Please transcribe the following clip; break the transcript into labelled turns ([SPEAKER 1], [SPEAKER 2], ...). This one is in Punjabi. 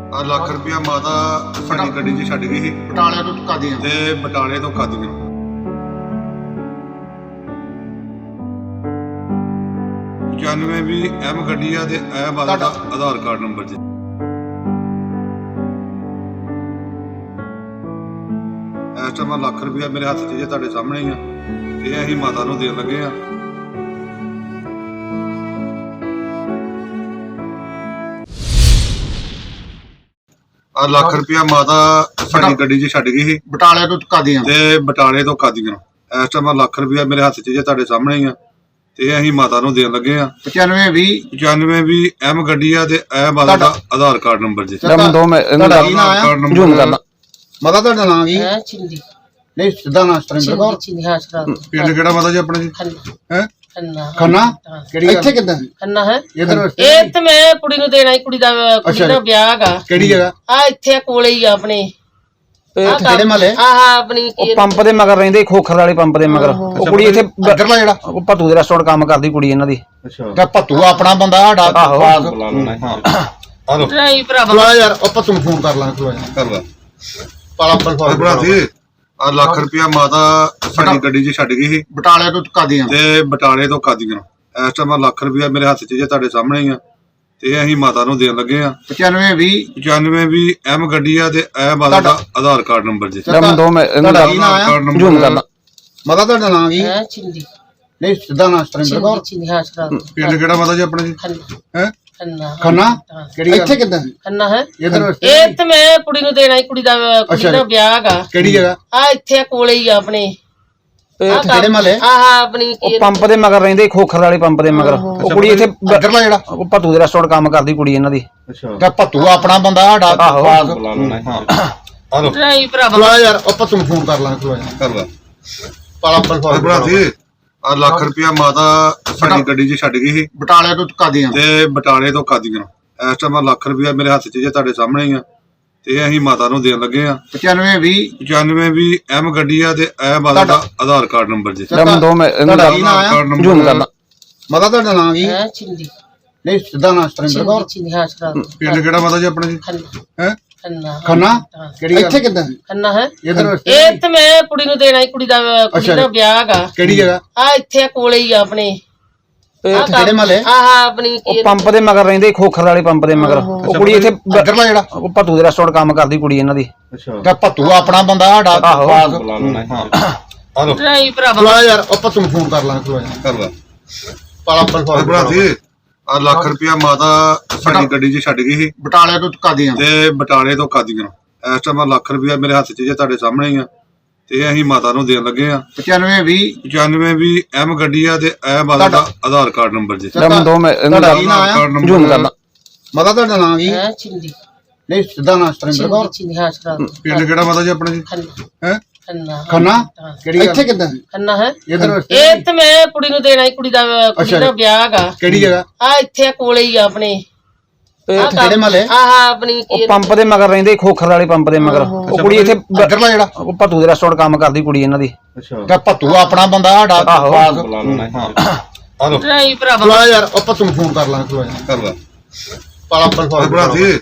[SPEAKER 1] ਆ ਲੱਖ ਰੁਪਇਆ ਮਾਤਾ ਸਾਡੀ ਗੱਡੀ 'ਚ ਛੱਡ ਗਈ ਸੀ
[SPEAKER 2] ਬਟਾਲੇ ਤੋਂ ਕਾਦੀਆਂ
[SPEAKER 1] ਤੇ ਬਟਾਲੇ ਤੋਂ ਕਾਦੀਆਂ। ਜਾਨਵੇਂ ਵੀ ਐਮ ਗੱਡੀ ਆ ਤੇ ਇਹ ਮਾਤਾ ਦਾ ਆਧਾਰ ਕਾਰਡ ਨੰਬਰ ਜੀ। ਇਸ ਟਾਈਮ ਲੱਖ ਰੁਪਇਆ ਮੇਰੇ ਹੱਥ 'ਚ ਜੇ ਤੁਹਾਡੇ ਸਾਹਮਣੇ ਹੀ ਆ ਤੇ ਅਸੀਂ ਮਾਤਾ ਨੂੰ ਦੇਣ ਲੱਗੇ ਆ। ਆ ਲੱਖ ਰੁਪਇਆ ਮਾਤਾ ਸਾਡੀ ਗੱਡੀ 'ਚ ਛੱਡ ਗਈ ਸੀ
[SPEAKER 2] ਬਟਾਲੇ ਤੋਂ ਕਾਦੀਆਂ
[SPEAKER 1] ਤੇ ਬਟਾਲੇ ਤੋਂ ਕਾਦੀਆਂ। ਇਸ ਟਾਈਮ ਲੱਖ ਰੁਪਇਆ ਮੇਰੇ ਹੱਥ 'ਚ ਜੇ ਤੁਹਾਡੇ ਸਾਹਮਣੇ ਹੀ ਆ ਤੇ ਅਸੀਂ ਮਾਤਾ ਨੂੰ ਦੇਣ ਲੱਗੇ ਆ। 95 ਵੀ ਐਮ ਗੱਡੀ ਆ ਤੇ ਇਹ ਮਾਤਾ ਦਾ ਆਧਾਰ ਕਾਰਡ ਨੰਬਰ ਜੀ।
[SPEAKER 2] ਮਾਤਾ ਤੁਹਾਡਾ ਨਾਮ ਕੀ ਹੈ?
[SPEAKER 3] ਚਿੰਦੀ
[SPEAKER 2] ਨਹੀਂ ਸਿੱਧਾ ਨਾਮ ਸਤਰਿੰਦਰ ਕੌਰ।
[SPEAKER 3] ਚਿੰਦੀ ਹਾਂ ਸ਼ਰਾਬ
[SPEAKER 1] ਪਿੰਡ ਕਿਹੜਾ ਮਾਤਾ ਜੀ ਆਪਣਾ ਜੀ? ਹੈ
[SPEAKER 2] ਖੰਨਾ ਕਿਹੜੀ ਇੱਥੇ ਕਿੱਦਾਂ
[SPEAKER 3] ਖੰਨਾ ਹੈ
[SPEAKER 2] ਇਧਰ
[SPEAKER 3] ਇਹ ਤੇ ਮੈਂ ਕੁੜੀ ਨੂੰ ਦੇਣਾ ਕੁੜੀ ਦਾ ਵਿਆਹ ਹੈਗਾ।
[SPEAKER 2] ਕਿਹੜੀ ਜਗ੍ਹਾ?
[SPEAKER 3] ਆ ਇੱਥੇ ਕੋਲੇ ਹੀ ਆ ਆਪਣੇ
[SPEAKER 2] ਕਿਹੜੇ ਮਹੱਲੇ?
[SPEAKER 3] ਆਹ ਆਪਣੀ
[SPEAKER 4] ਪੰਪ ਦੇ ਮਗਰ ਰਹਿੰਦੇ ਖੋਖਰ ਵਾਲੇ ਪੰਪ ਦੇ ਮਗਰ। ਉਹ ਕੁੜੀ ਇੱਥੇ
[SPEAKER 2] ਇੱਧਰਲਾ ਜਿਹੜਾ
[SPEAKER 4] ਭੱਤੂ ਦੇ ਰੈਸਟੋਰੈਂਟ ਕੰਮ ਕਰਦੀ ਕੁੜੀ ਇਹਨਾਂ ਦੀ।
[SPEAKER 2] ਤੇ ਭੱਤੂ ਆਪਣਾ ਬੰਦਾ ਸਾਡਾ ਪਾਸ
[SPEAKER 1] ਹਲੋ
[SPEAKER 3] ਨਹੀਂ ਭਰਾਵਾ
[SPEAKER 2] ਬੁਲਾ ਯਾਰ ਆਪਾਂ ਤੁਹਾਨੂੰ ਫੋਨ ਕਰ ਲਾਂਗੇ ਬੁਲਾ
[SPEAKER 1] ਕਰ ਲਾ
[SPEAKER 2] ਪਾਲਾ ਬਲ
[SPEAKER 1] ਬਣਾ ਦੇ। ਆ ਲੱਖ ਰੁਪਇਆ ਮਾਤਾ ਸਾਡੀ ਗੱਡੀ 'ਚ ਛੱਡ ਗਈ ਸੀ
[SPEAKER 2] ਬਟਾਲੇ ਤੋਂ ਕਾਦੀਆਂ
[SPEAKER 1] ਤੇ ਬਟਾਲੇ ਤੋਂ ਕਾਦੀਆਂ। ਇਸ ਟਾਈਮ ਲੱਖ ਰੁਪਇਆ ਮੇਰੇ ਹੱਥ 'ਚ ਜੇ ਤੁਹਾਡੇ ਸਾਹਮਣੇ ਹੀ ਆ ਤੇ ਅਸੀਂ ਮਾਤਾ ਨੂੰ ਦੇਣ ਲੱਗੇ ਆ। 95 ਵੀ ਐਮ ਗੱਡੀ ਆ ਤੇ ਇਹ ਮਾਤਾ ਦਾ ਆਧਾਰ ਕਾਰਡ ਨੰਬਰ ਜੀ।
[SPEAKER 2] ਮਾਤਾ ਤੁਹਾਡਾ ਨਾਮ ਕੀ ਹੈ?
[SPEAKER 3] ਚਿੰਦੀ
[SPEAKER 2] ਨਹੀਂ ਸਿੱਧਾ ਨਾਮ ਸਤਰਿੰਦਰ ਕੌਰ।
[SPEAKER 3] ਚਿੰਦੀ ਹਾਂ ਸ਼ਰਾਬ
[SPEAKER 1] ਪਿੰਡ ਕਿਹੜਾ ਮਾਤਾ ਜੀ ਆਪਣਾ ਜੀ? ਹੈ
[SPEAKER 2] ਖੰਨਾ ਕਿਹੜੀ ਇੱਥੇ ਕਿੱਦਾਂ
[SPEAKER 3] ਖੰਨਾ ਹੈ
[SPEAKER 2] ਇਧਰ
[SPEAKER 3] ਇਹ ਤੇ ਮੈਂ ਕੁੜੀ ਨੂੰ ਦੇਣਾ ਕੁੜੀ ਦਾ ਵਿਆਹ ਹੈਗਾ।
[SPEAKER 2] ਕਿਹੜੀ ਜਗ੍ਹਾ?
[SPEAKER 3] ਆ ਇੱਥੇ ਕੋਲੇ ਹੀ ਆ ਆਪਣੇ
[SPEAKER 2] ਕਿਹੜੇ ਮਹੱਲੇ?
[SPEAKER 3] ਆਹ ਆਪਣੀ
[SPEAKER 4] ਪੰਪ ਦੇ ਮਗਰ ਰਹਿੰਦੇ ਖੋਖਰ ਵਾਲੇ ਪੰਪ ਦੇ ਮਗਰ। ਉਹ ਕੁੜੀ ਇੱਥੇ
[SPEAKER 2] ਇੱਧਰਲਾ ਜਿਹੜਾ
[SPEAKER 4] ਭੱਤੂ ਦੇ ਰੈਸਟੋਰੈਂਟ ਕੰਮ ਕਰਦੀ ਕੁੜੀ ਇਹਨਾਂ ਦੀ।
[SPEAKER 2] ਤੇ ਭੱਤੂ ਆਪਣਾ ਬੰਦਾ ਸਾਡਾ ਪਾਸ
[SPEAKER 1] ਹਲੋ
[SPEAKER 3] ਨਹੀਂ ਭਰਾਵਾ
[SPEAKER 2] ਬੁਲਾ ਯਾਰ ਆਪਾਂ ਤੁਹਾਨੂੰ ਫੋਨ ਕਰ ਲਾਂਗੇ ਬੁਲਾ
[SPEAKER 1] ਕਰ ਲਾ
[SPEAKER 2] ਪਾਲਾ ਬਲ
[SPEAKER 1] ਬਣਾ ਦੇ। ਆ ਲੱਖ ਰੁਪਇਆ ਮਾਤਾ ਸਾਡੀ ਗੱਡੀ 'ਚ ਛੱਡ ਗਈ ਸੀ
[SPEAKER 2] ਬਟਾਲੇ ਤੋਂ ਕਾਦੀਆਂ
[SPEAKER 1] ਤੇ ਬਟਾਲੇ ਤੋਂ ਕਾਦੀਆਂ। ਇਸ ਟਾਈਮ ਲੱਖ ਰੁਪਇਆ ਮੇਰੇ ਹੱਥ 'ਚ ਜੇ ਤੁਹਾਡੇ ਸਾਹਮਣੇ ਹੀ ਆ ਤੇ ਅਸੀਂ ਮਾਤਾ ਨੂੰ ਦੇਣ ਲੱਗੇ ਆ। 95 ਵੀ ਐਮ ਗੱਡੀ ਆ ਤੇ ਇਹ ਮਾਤਾ ਦਾ ਆਧਾਰ ਕਾਰਡ ਨੰਬਰ ਜੀ।
[SPEAKER 2] ਮਾਤਾ ਤੁਹਾਡਾ ਨਾਮ ਕੀ ਹੈ?
[SPEAKER 3] ਚਿੰਦੀ
[SPEAKER 2] ਨਹੀਂ ਸਿੱਧਾ ਨਾਮ ਸਤਰਿੰਦਰ ਕੌਰ।
[SPEAKER 3] ਚਿੰਦੀ ਹਾਂ ਸ਼ਰਾਬ
[SPEAKER 1] ਪਿੰਡ ਕਿਹੜਾ ਮਾਤਾ ਜੀ ਆਪਣਾ ਜੀ? ਹੈ
[SPEAKER 2] ਖੰਨਾ ਕਿਹੜੀ ਇੱਥੇ ਕਿੱਦਾਂ
[SPEAKER 3] ਖੰਨਾ ਹੈ
[SPEAKER 2] ਇਧਰ
[SPEAKER 3] ਇਹ ਤੇ ਮੈਂ ਕੁੜੀ ਨੂੰ ਦੇਣਾ ਕੁੜੀ ਦਾ ਵਿਆਹ ਹੈਗਾ।
[SPEAKER 2] ਕਿਹੜੀ ਜਗ੍ਹਾ?
[SPEAKER 3] ਆ ਇੱਥੇ ਕੋਲੇ ਹੀ ਆ ਆਪਣੇ
[SPEAKER 2] ਕਿਹੜੇ ਮਹੱਲੇ?
[SPEAKER 3] ਆਹ ਆਪਣੀ
[SPEAKER 4] ਪੰਪ ਦੇ ਮਗਰ ਰਹਿੰਦੇ ਖੋਖਰ ਵਾਲੇ ਪੰਪ ਦੇ ਮਗਰ। ਉਹ ਕੁੜੀ ਇੱਥੇ
[SPEAKER 2] ਇੱਧਰਲਾ ਜਿਹੜਾ
[SPEAKER 4] ਭੱਤੂ ਦੇ ਰੈਸਟੋਰੈਂਟ ਕੰਮ ਕਰਦੀ ਕੁੜੀ ਇਹਨਾਂ ਦੀ।
[SPEAKER 2] ਤੇ ਭੱਤੂ ਆਪਣਾ ਬੰਦਾ ਸਾਡਾ ਪਾਸ
[SPEAKER 1] ਹਲੋ
[SPEAKER 3] ਨਹੀਂ ਭਰਾਵਾ
[SPEAKER 2] ਬੁਲਾ ਯਾਰ ਆਪਾਂ ਤੁਹਾਨੂੰ ਫੋਨ ਕਰ ਲਾਂਗੇ ਬੁਲਾ
[SPEAKER 1] ਕਰ ਲਾ
[SPEAKER 2] ਪਾਲਾ ਬਲ
[SPEAKER 1] ਬਣਾ ਦੇ। ਆ ਲੱਖ ਰੁਪਇਆ ਮਾਤਾ ਸਾਡੀ ਗੱਡੀ 'ਚ ਛੱਡ ਗਈ ਸੀ
[SPEAKER 2] ਬਟਾਲੇ ਤੋਂ ਕਾਦੀਆਂ
[SPEAKER 1] ਤੇ ਬਟਾਲੇ ਤੋਂ ਕਾਦੀਆਂ। ਇਸ ਟਾਈਮ ਲੱਖ ਰੁਪਇਆ ਮੇਰੇ ਹੱਥ 'ਚ ਜੇ ਤੁਹਾਡੇ ਸਾਹਮਣੇ ਹੀ ਆ ਤੇ ਅਸੀਂ ਮਾਤਾ ਨੂੰ ਦੇਣ ਲੱਗੇ ਆ। 95 ਵੀ ਐਮ ਗੱਡੀ ਆ ਤੇ ਇਹ ਮਾਤਾ ਦਾ ਆਧਾਰ ਕਾਰਡ ਨੰਬਰ ਜੀ।
[SPEAKER 2] ਮਾਤਾ ਤੁਹਾਡਾ ਨਾਮ ਕੀ ਹੈ?
[SPEAKER 3] ਚਿੰਦੀ
[SPEAKER 2] ਨਹੀਂ ਸਿੱਧਾ ਨਾਮ ਸਤਰਿੰਦਰ ਕੌਰ।
[SPEAKER 3] ਚਿੰਦੀ ਹਾਂ ਸ਼ਰਾਬ
[SPEAKER 1] ਪਿੰਡ ਕਿਹੜਾ ਮਾਤਾ ਜੀ ਆਪਣਾ ਜੀ? ਹੈ
[SPEAKER 2] ਖੰਨਾ ਕਿਹੜੀ ਇੱਥੇ ਕਿੱਦਾਂ
[SPEAKER 3] ਖੰਨਾ ਹੈ
[SPEAKER 2] ਇਧਰ
[SPEAKER 3] ਇਹ ਤੇ ਮੈਂ ਕੁੜੀ ਨੂੰ ਦੇਣਾ ਕੁੜੀ ਦਾ ਵਿਆਹ ਹੈਗਾ।
[SPEAKER 2] ਕਿਹੜੀ ਜਗ੍ਹਾ?
[SPEAKER 3] ਆ ਇੱਥੇ ਕੋਲੇ ਹੀ ਆ ਆਪਣੇ
[SPEAKER 2] ਕਿਹੜੇ ਮਹੱਲੇ?
[SPEAKER 3] ਆਹ ਆਪਣੀ
[SPEAKER 4] ਪੰਪ ਦੇ ਮਗਰ ਰਹਿੰਦੇ ਖੋਖਰ ਵਾਲੇ ਪੰਪ ਦੇ ਮਗਰ। ਉਹ ਕੁੜੀ ਇੱਥੇ
[SPEAKER 2] ਇੱਧਰਲਾ ਜਿਹੜਾ
[SPEAKER 4] ਭੱਤੂ ਦੇ ਰੈਸਟੋਰੈਂਟ ਕੰਮ ਕਰਦੀ ਕੁੜੀ ਇਹਨਾਂ ਦੀ।
[SPEAKER 2] ਤੇ ਭੱਤੂ ਆਪਣਾ ਬੰਦਾ ਸਾਡਾ ਪਾਸ
[SPEAKER 1] ਹਲੋ
[SPEAKER 3] ਨਹੀਂ ਭਰਾਵਾ
[SPEAKER 2] ਬੁਲਾ ਯਾਰ ਆਪਾਂ ਤੁਹਾਨੂੰ ਫੋਨ ਕਰ ਲਾਂਗੇ ਬੁਲਾ
[SPEAKER 1] ਕਰ ਲਾ
[SPEAKER 2] ਪਾਲਾ ਬਲ
[SPEAKER 1] ਬਣਾ ਦੇ।